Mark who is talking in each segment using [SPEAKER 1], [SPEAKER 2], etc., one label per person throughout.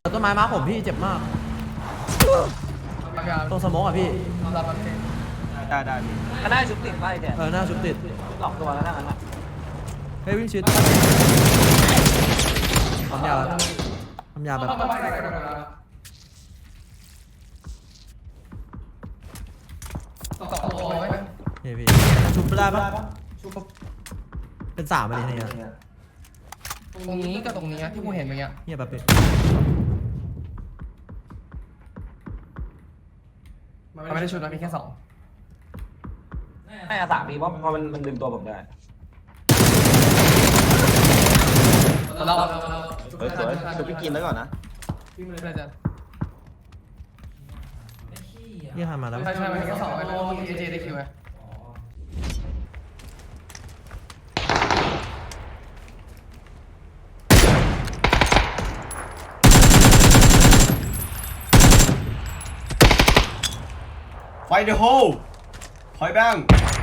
[SPEAKER 1] ต้นไม้มาผมพี่เจ็บมากตรงสโมกอ่ะพี่
[SPEAKER 2] ได้พี่
[SPEAKER 3] ก็ได้ชุบติดไปเดี๋ยว
[SPEAKER 1] หน้าชุบติด
[SPEAKER 3] หลอกตัวแล้วนั่นน่ะ
[SPEAKER 1] เฮ้ยวิ่งชิดทำยาแบบเฮ้ยพี่ชุบได้ปะเป็น3อะไรเนี่ย
[SPEAKER 4] ตรงนี้กับตรงนี้ที่กูเห็นเมื่อกี้
[SPEAKER 1] เงียบแบบนี้
[SPEAKER 4] มันไม่ได้ชุดนะมีแค่2
[SPEAKER 3] ไม่อาสามีเพราะมันดึงตัวผมได้
[SPEAKER 4] เรา
[SPEAKER 2] สวยชุบพี่กินแล้วก่อนนะ
[SPEAKER 4] พี่มันเลยจะ
[SPEAKER 1] นี่ทำมาแล้ว
[SPEAKER 4] ใช่มันมีแค่2ไอ้โลมีเอเจได้คิวไหม
[SPEAKER 2] ไฟเดอะโฮคอยแบง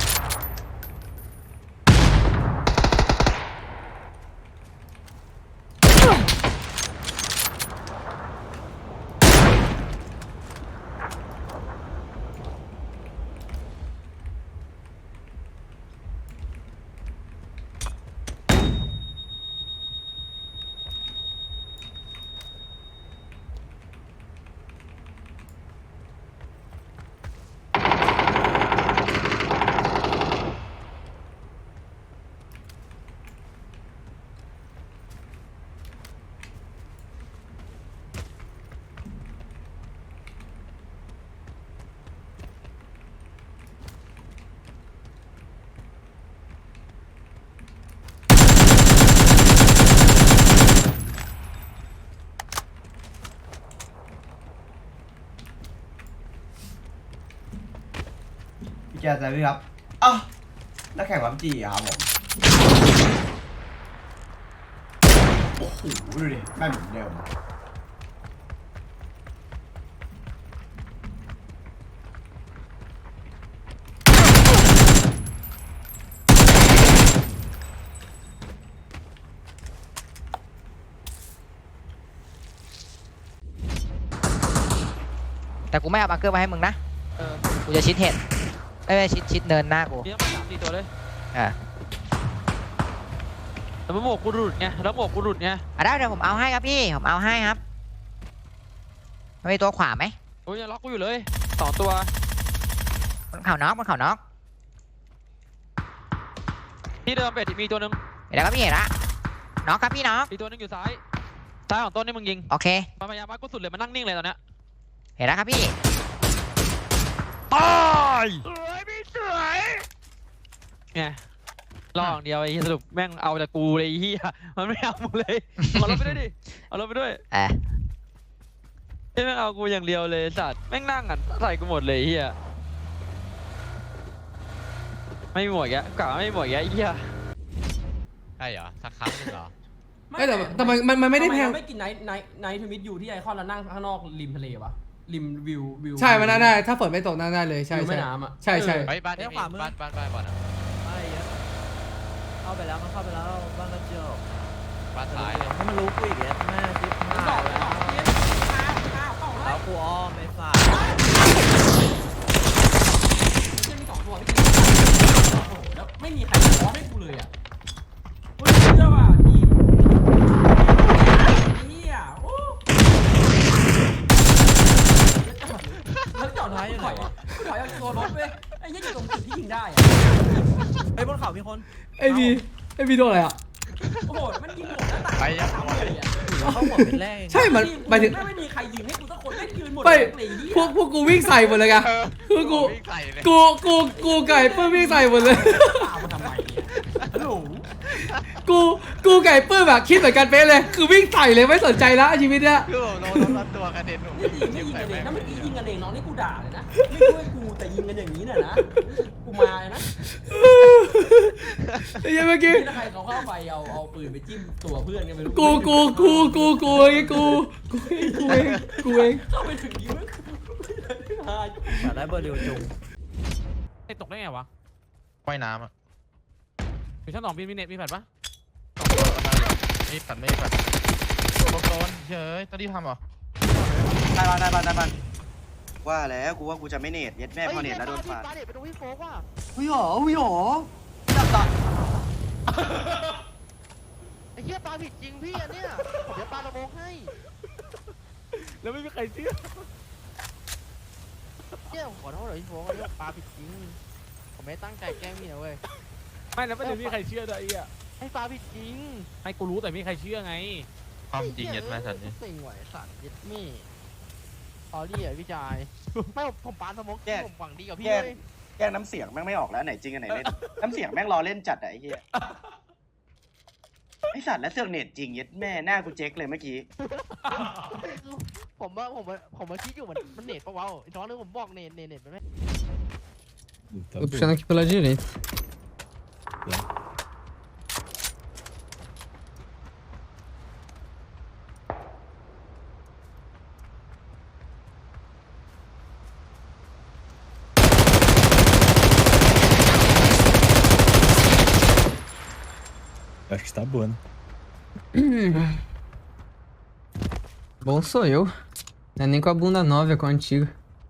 [SPEAKER 2] พี่แกใจพี่ครับอ้าวนักแข่งวับจีครับผมโอ้โหดูดิแม่นเหมือนเดิม
[SPEAKER 5] แต่กูไม่เอาบังเกอร์มาให้มึงนะกูจะชิดเห็ดไม่ชิดเนินหน้ากู
[SPEAKER 6] มีทั้งหมด3-4ตัวเลย
[SPEAKER 5] อ่ะ
[SPEAKER 6] แต่หมวกกูหลุดไงแล้วหมวกกูหลุดไง
[SPEAKER 5] ได้เดี๋ยวผมเอาให้ครับพี่ผมเอาให้ครับมีตัวขวาไหม
[SPEAKER 6] โอ้ยยังล็อกกูอยู่เลย2ตัว
[SPEAKER 5] บนเขาน็อก
[SPEAKER 6] ที่เดิมเป็ดมีตัวนึง
[SPEAKER 5] เห็นแล้วครับพี่เห็นละน็อกครับพี่น็อก
[SPEAKER 6] อีกตัวนึงอยู่ซ้ายของต้นนี่มึงยิง
[SPEAKER 5] โอเค
[SPEAKER 6] พยายามมากูสุดเลยมันนั่งนิ่งเลยตอนเนี้ย
[SPEAKER 5] เห็นแล้วครับพี่
[SPEAKER 6] ตายสวยพี่สวยไงลองเดียวไอ้สรุปแม่งเอาแต่กูเลยไอ้เหี้ยมันไม่เอามึงเลยเอารถไปด้วยดิเอารถไปด้วยไอ้แม่งเอากูอย่างเดียวเลยสัตว์แม่งนั่งอ่ะใส่กูหมดเลยเหี้ยไม่หมดแกกะไม่หมดแกไอ้เหี้ย
[SPEAKER 7] ใช่เหรอสักครั้งนึงเหรอ
[SPEAKER 4] ไม่แต่มันไม่ได้แพง
[SPEAKER 1] ไม่กินไนท์ทวิตอยู่ที่ไอคอนแล้วนั่งข้างนอกริมทะเลวะริมวิว
[SPEAKER 4] ใช่มันได้ถ้าฝนไม่ตกนั่งได้เลยใช่
[SPEAKER 1] แม่น้ำอ่ะ
[SPEAKER 4] ใช่
[SPEAKER 7] ไอ้บ้านนี้บ้านบ่อนอ่ะ
[SPEAKER 1] ไม่เยอะเข้าไปแล้วมันเข้าไปแล้วบ้านกระจก
[SPEAKER 7] บ้านซ้ายเลย
[SPEAKER 1] ให้มันรู้กูอีกแล้วแม่จิ๊บมาแล้วกูอ้อมไม่ฝาดแล้วไม่มีใครขอให้กูเลยอ่ะกูเชื่อว่าทีมเนี่ยโอ้แล้วจอดท้ายยังไงวะกูถอยเอาตัวรถเว้ยไอ้ยี่อยู่ตรงจุดที่ยิงได้อะไอ้บนเขามีคน
[SPEAKER 4] ไอ้บีโดนอะไรอ่ะ
[SPEAKER 1] โอ้โหมันยิงหมดแล้ว
[SPEAKER 7] ไปยัง
[SPEAKER 1] เขาหมดเป็นแรก
[SPEAKER 4] ใช่มันหมายถึง
[SPEAKER 1] ไม่มีใครยิงให้กูสักคนไม่ยืนหมด
[SPEAKER 4] พวกกูวิ่งใส่หมดเลยไงคือกูไก่ปื้มวิ่งใส่หมดเลย
[SPEAKER 1] ทำไมฮัลโหล
[SPEAKER 4] กูไก่ปื้มแบบคิดเหมือนกันเป๊ะเลยคือวิ่งใส่เลยไม่สนใจแล้วชีวิตเนี้ย
[SPEAKER 7] คือผมน้องตัวกระเด็นผม
[SPEAKER 1] ไม่ยิงกันเองถ้าเมื่อกี้ยิงกันเองน้องนี่กูด่าเลยนะไม่ช่วยกูแต่ยิงกันอย่างนี้เนี่ยนะกูมาเลยนะ
[SPEAKER 4] ไอ้ยังเมื่อกี้
[SPEAKER 1] ถ้าใครเขาเข้าไปเอาปืนไปจิ้มตัวเพื่อนกันไปรู้
[SPEAKER 4] กูเอง
[SPEAKER 1] เข้าไปถึงยิงอยากได้เบอร์เร็วจุง
[SPEAKER 6] ไอ้ตกได้ไงวะ
[SPEAKER 7] ว่ายน้ำอ่ะ
[SPEAKER 6] มีชั้น2มีเน็ตมีแฟลชปะ
[SPEAKER 7] ไม่ปัดโดนเฮ้ยตอนที่ทำเหรอ
[SPEAKER 8] ได้บ้านว่าแล้วกูว่ากูจะไม่เนตเย็ดแม่พอเนตแล้วโดนฟาด
[SPEAKER 6] ปาเด็ดไปตรงพี่โฟกว่ะ
[SPEAKER 8] วิหรอจับตา
[SPEAKER 6] ไอ้เหี้ยปาผิดจริงพี่อันเนี้ยเดี๋ยวปาระโมงให้
[SPEAKER 9] แล้วไม่มีใครเชื่อ
[SPEAKER 6] เนี่ยผมขอโทษเลยพี่โฟกอันนี้ปาผิดจริงผมไม่ตั้งใจแกล้งพี่นะเว้ย
[SPEAKER 9] ไม่แล้วไม่มีใครเชื่อด้วยไอ้เหี้ย
[SPEAKER 6] ไอ้ปาผิดจริง
[SPEAKER 9] ให้กูรู้แต่ไม่มีใครเชื่อไง
[SPEAKER 7] ความจริงเย็ดแม่สันนี่
[SPEAKER 6] เซ็งไหวสัตว์เย็ดมี่สอรี่อ่ะพี่จายไม่ผมปาสโมกผมหวังดีกับพี่เลย
[SPEAKER 8] แกล้งน้ำเสียงแม่งไม่ออกแล้วไหนจริงอันไหนเล่นน้ำเสียงแม่งรอเล่นจัดอะไอ้เหี้ยไอสัตว์และเสือกเนตจริงเย็ดแม่หน้ากูเจ๊กเลยเมื่อกี้
[SPEAKER 6] ผมมาคิดอยู่มันเน็ตปะวะอีกท้องนึงผมบอกเน็ตไปไหม
[SPEAKER 4] Tô puxando aqui pela direita.
[SPEAKER 10] Acho que está boa, né?
[SPEAKER 4] Bom sou eu. Não é nem com a bunda nova, é com a antiga.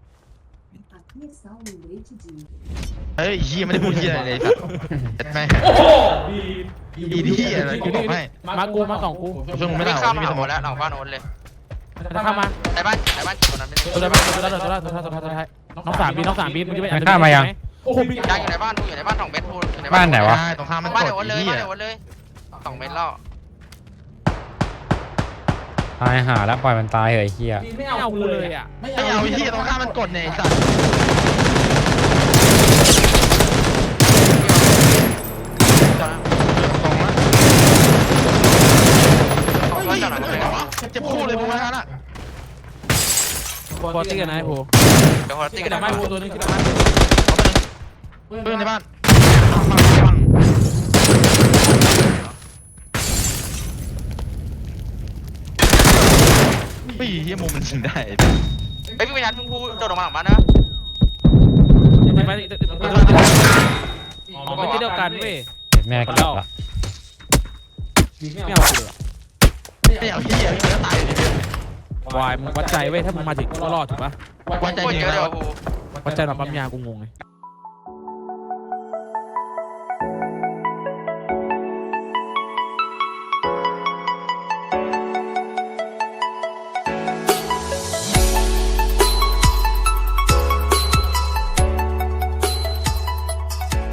[SPEAKER 7] เฮ้ยเฮียไม่ได้พูดเฮียอะไรเลยสัตว์เย็ดแม่อีเฮียอะไรกูบอกให้
[SPEAKER 9] มากูมาสองกู
[SPEAKER 7] ช่วงมึงไม่ได้
[SPEAKER 5] ข้าม
[SPEAKER 7] ไม่
[SPEAKER 5] มา
[SPEAKER 7] มีสม
[SPEAKER 5] หม
[SPEAKER 7] อง
[SPEAKER 5] ดแล้วหลังบ้านโอนเลย
[SPEAKER 9] จะเข้ามา
[SPEAKER 5] ในบ้านคนนั้นไม่
[SPEAKER 9] ตัว
[SPEAKER 5] ได้
[SPEAKER 9] ได้บ้างตัวได้ตัวได้น้องสามบีมึงจะไป
[SPEAKER 10] ข้ามมายัง
[SPEAKER 9] โอ้โห
[SPEAKER 5] ยังอยู่ในบ้านอยู่ในบ้าน2 เมตรพูอยู่ใน
[SPEAKER 10] บ้านไหนวะ
[SPEAKER 7] ตรงข้ามมัน
[SPEAKER 5] บ้าน
[SPEAKER 7] ก
[SPEAKER 5] เดี๋
[SPEAKER 7] ด
[SPEAKER 5] ยวโอนเลย
[SPEAKER 7] เฮี
[SPEAKER 5] บ้าย นเดี๋ยวโอนเลย2 เมตรแล้ว
[SPEAKER 10] ตายหาแล้วปล่อยมันตายเหยเฮีย
[SPEAKER 9] ไม่เอากูเลยอ่ะ
[SPEAKER 7] ไม่เอาเฮียตรงข้ามมันกดเนี่ยไอ้สัตว์ตรงนะ
[SPEAKER 5] บ้านจอดหลังเลย
[SPEAKER 7] เจ็บคู่เลยพวกนั้นอ่ะ
[SPEAKER 9] บอลตี้กันนะไอ้โห
[SPEAKER 5] เดี๋ยวคนตีกัน
[SPEAKER 9] แต่
[SPEAKER 5] นะ
[SPEAKER 9] ไม่โหตัวนึงคิดว่า
[SPEAKER 7] เพื่อนในบ้านปีเฮียมุมมันยิงได้
[SPEAKER 5] ไอ้พี่วิญญาณพึ่งพูโดดออกมาหลังบ้านนะ
[SPEAKER 9] ไม่อ๋อไม่ใช่เดียวกันเว้ย
[SPEAKER 10] แม่กลับละ
[SPEAKER 9] ไม่เอากูเลย
[SPEAKER 7] ไม่เอาเฮียพี่จะตายเลย
[SPEAKER 9] วายมึงวัดใจเว้ยถ้ามึงมาถึงก็รอดถูกปะ
[SPEAKER 7] วันใจ
[SPEAKER 5] โคตร
[SPEAKER 7] จริง
[SPEAKER 5] เยอะ
[SPEAKER 7] แล้
[SPEAKER 5] เลยว ว่ะกู
[SPEAKER 9] วัดใจหน่อยปั๊มยากูงงไง